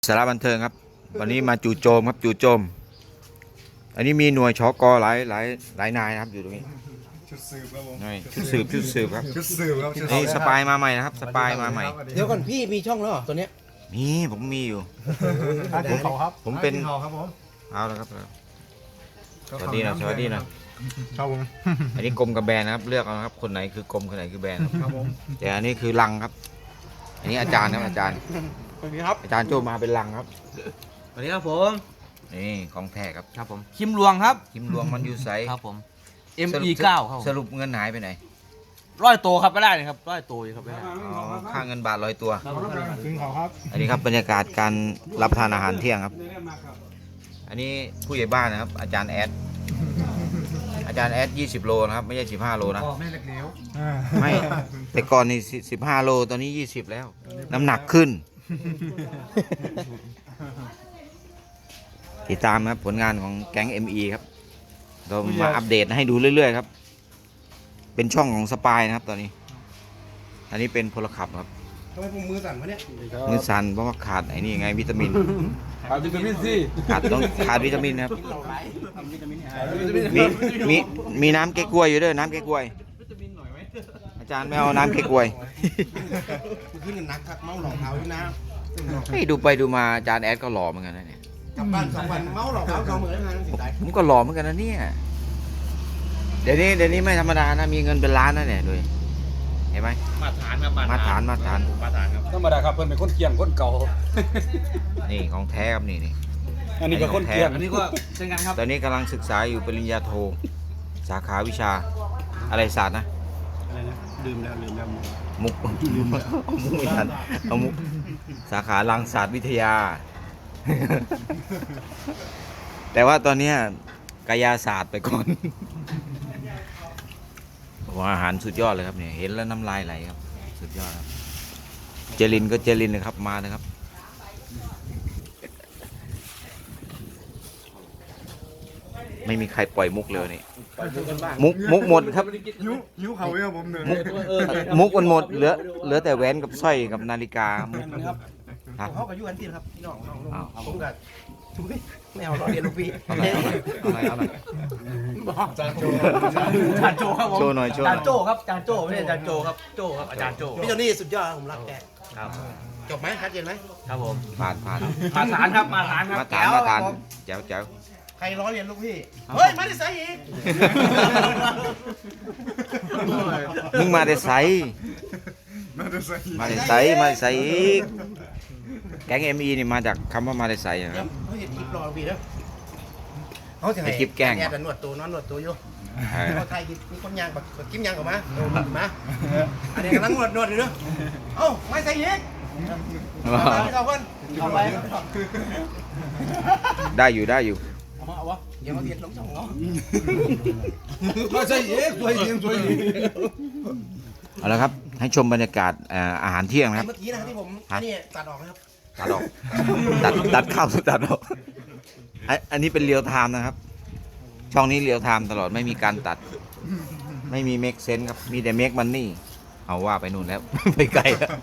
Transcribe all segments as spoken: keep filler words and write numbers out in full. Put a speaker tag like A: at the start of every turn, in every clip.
A: สาระบันเทิงครับวันนี้มาจู่โจมครับจู่โจมอันนี้มีหน่วยชกหลายหลายหลายนายนะครับอยู่ตรงนี้
B: ชุดสืบครับผม
A: นี่ชุดสืบชุดสืบครับ
B: ชุดสืบครับ
A: นี่สปายมาใหม่นะครับสปายมาใหม่
C: เดี๋ยวก่อนพี่มีช่องแล้วเหรอตัวเนี้ย
A: มีผมมีอยู่
B: ผมเขาครับ
A: ผมเป็น
B: เขาครับผม
A: เอาแล้วครับสวัสดีนะสวัสดีนะ
B: ชอบผม
A: อันนี้กรมกับแบรนด์นะครับเลือกเอาครับคนไหนคือกรมคนไหนคือแบรนด์ครับผมแต่อันนี้คือลังครับอันนี้อาจารย์ครับอาจารย์
C: สวัสดีครับ
A: อาจารย์โจมาเป็นลังครับ
C: สวัสดีครับผม
A: นี่ของแท้ครับ
C: ครับผมคิมหลวงครับ
A: คิมหลวงมันอยู่ไซ
C: ครับผม เอ็ม อี เก้า ครับ
A: สรุปเงินหายไปไหน
C: ร้อยตัวครับไม่ได้เลยครับร้อยตัวอยู่ครับไม่ได้
A: ค่าเงินบาทร้อยตัว
B: ถึงเขาครับ
A: อันนี้ครับบรรยากาศการรับประทานอาหารเที่ยงครับอันนี้ผู้ใหญ่บ้านนะครับอาจารย์แอดอาจารย์แอดยี่สิบโลนะครับไม่ใช่สิบห้าโลนะ
B: ไม่เล็กเลี้ยว
A: ไม่แต่ก่อนนี่สิบห้าโลตอนนี้ยี่สิบแล้วน้ำหนักขึ้นติดตามครับผลงานของแก๊ง เอ็ม อี ครับเรามาอัปเดตให้ดูเรื่อยๆครับเป็นช่องของสปายนะครับตอนนี้อันนี้เป็นพลขับครับ
C: ทำไมผมมือสั่นวะเนี่ย
A: มือสั่นเพราะว่าขาดไอ้นี่ไงวิตามิน
B: ขาดวิตามินซี
A: ขาดต้องขาดวิตามินครับมีมีมีน้ำเก๊กกล้วยอยู่ด้วยน้ำเก๊กกล้วยอาจารย์ไม่เอาน้ำเก๊กกล้วย
C: ขึ้นกันนักครับเมาหลอกเท้าด้วยนะ
A: ให้ดูไปดูมาอาจารย์แอดก็หล่อเหมือนกันนะเนี่ย
C: กลับบ้านสองวันเมาหลอกเท้าสองหมื่นแล้วนะสิได้
A: ผมก็หล่อเหมือนกันนะเนี่ยเดี๋ยวนี้เดี๋ยวนี้ไม่ธรรมดานะมีเงินเป็นล้านนะเนี่ยด้วยเห็นไหม
C: มาตรฐานครับ
A: มาตรฐานมาตรฐาน
C: มาตรฐานครับ
B: ธรรมดาครับเพิ่นเป็นคนเกียงคนเก่า
A: นี่ของแท้ครับนี่นี่
B: อันนี้ก็คนเกียง
C: อันนี้ก็เช่นกันครับ
A: ตอนนี้กำลังศึกษาอยู่ปริญญาโทสาขาวิชาอะไรศาสตร์นะ
B: อะไรนะลืมแล้วลืมแล้ว
A: มุกเอามุกไม่ทันเอามุกสาขารังศาสตร์วิทยา แต่ว่าตอนนี้กายศาสตร์ไปก่อนว่าอาหารสุดยอดเลยครับเนี่ยเห็นแล้วน้ำลายไหลครับสุดยอดครับเจลินก็เจลินนะครับมาเลยครับไม่มีใครปล่อยมุกเลยนี่มุกมุกหมดครับ
B: ยิ้วยิ้วเขาเยอะผมเหนื่อย
A: มุกมันหมดเหลือเหลือแต่แหวนกับสร้อยกับนาฬิกามุก
C: ครับเขากับยูอันตีนะครับพี่น้องน้องผมกับทุกทีไม่เอาล้อเรียนลูกพี่
A: เอาหน่อยเอาหน่อยเอาหน่อย
C: จานโจจานโจครับผม
A: โชว์หน่อยโชว์
C: จานโจครับจานโจไม่ใช่จานโจครับโจครับอาจารย์โจพี่โจนี่สุดยอดผมรักแก
A: ครับ
C: จบไหมชัดเจนไหม
A: ครับผมผ่านผ่าน
C: มาฐานครับมาฐานครับ
A: มาฐานมาฐานเจ้าเจ้า
C: ใครล้อเรียนลูกพี่เฮ้ยมาได้ไซอีก
A: มึงมาได้ไซ
B: มาได้ไซ
A: มาได้ไซมาได้ไซอีกแก๊ง เอ็ม อี นี่มาจากคำว่ามาได้ไซครับ
C: เขาเห็นคลิปรอพี่แล้วเขาจะให้
A: คลิปแกง
C: แกนวดตัวนอนนวดตัวอยู่เขาไทยมีคนยางแบบกิ้มยางออกมาโดนมาอันนี้กำลังนวดนวดอยู่เนาะเอ้าไม่ใส่อีกเอาคนเอาไป
A: ได้อยู่ได้อยู่
C: เอาวะอย่ามาเบียดลงช่องเนาะ
B: มาใส่เอ๊ะสวยจริงสวยจริง
A: เอาละครับให้ชมบรรยากาศอาหารเที่ยงนะครับ
C: เมื่อกี้นะที่ผมนี่ตัดออกนะครับ
A: ตัดออกตัดตัดเข้าตัดออกอันนี้เป็นเรียลไทม์นะครับช่องนี้เรียลไทม์ตลอดไม่มีการตัดไม่มีเมคเซนส์ครับมีแต่เมคมันนี่เอาว่าไปนู่นแล้วไปไกลแล้ว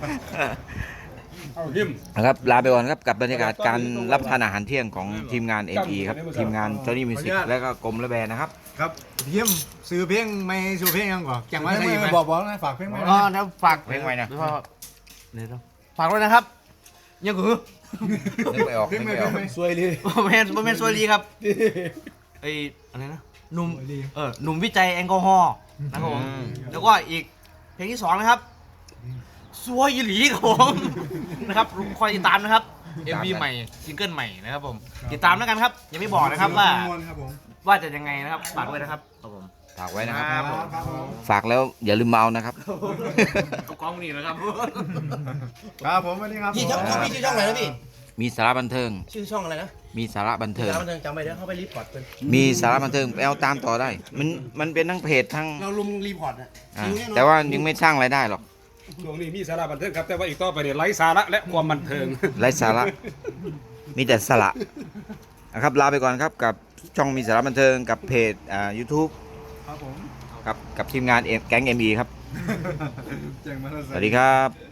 A: นะครับลาไปก่อนครับกับบรรยากาศการรับทานอาหารเที่ยงของทีมงาน เอ็ม อี ครับทีมงานจอห์นนี่มิวสิกและก็กรมและแบรนด์นะครับ
B: ครับเยี่ยมซื้อเพลงไม่ซื้อเพลงยังก่อนจังว่าใช่ไหมบอกบอกนะฝากเพลงไหม
C: อ๋อนะฝาก
A: เพลงไว้นะ
C: ฝากด้วยนะครับยังคือ
A: นึกไม่ออกนึกไม่ออก
C: สวยเลยโมเมนต์โมเมนต์สวยดีครับไออะไรนะหนุ่มเออหนุ่มวิจัยแอลกอฮอล์นะครับผมแล้วก็อีกเพลงที่สองนะครับสวยหลีครับผมนะครับคอยติดตามนะครับ เอ็ม วี ใหม่ซิงเกิลใหม่นะครับผมติดตามแล้วกันครับยังไม่บอกนะครับว่าว่าจะยังไงนะครับฝากไว้นะครับครับผม
A: ฝากไว้นะครับฝากแล้วอย่าลืมมาเอานะครับ
C: เอากล้องนี่นะครับ
B: ครับผมวันนี้ครับ
C: พี่ช่องพี่ชื่อช่องอะไรนะพี่
A: มีสาระบันเทิง
C: ชื่อช่องอะไรนะ
A: มีสาระบันเทิง
C: สาระบันเทิงจำไว้เดี๋ยวเข้าไปรีพอร์ตเป็น
A: มีสาระบันเทิงไปเอาตามต่อได้มันมันเป็นทั้งเพจทั้ง
C: เราลุมรีพอร์ตอ่ะ
A: แต่ว่ายังไม่สร้างรายได้หรอก
B: ช่วงนี้มีสาระบันเทิงครับแต่ว่าอีกต่อไปเนี่ยไร้สาระและความบันเทิง
A: ไร้สาระมีแต่สาระนะครับลาไปก่อนครับกับช่องมีสาระบันเทิงกับเพจอ่า YouTube
B: ครับผม
A: กับกับทีมงานแก๊ง เอ็ม อี ครับสวัสดีครับ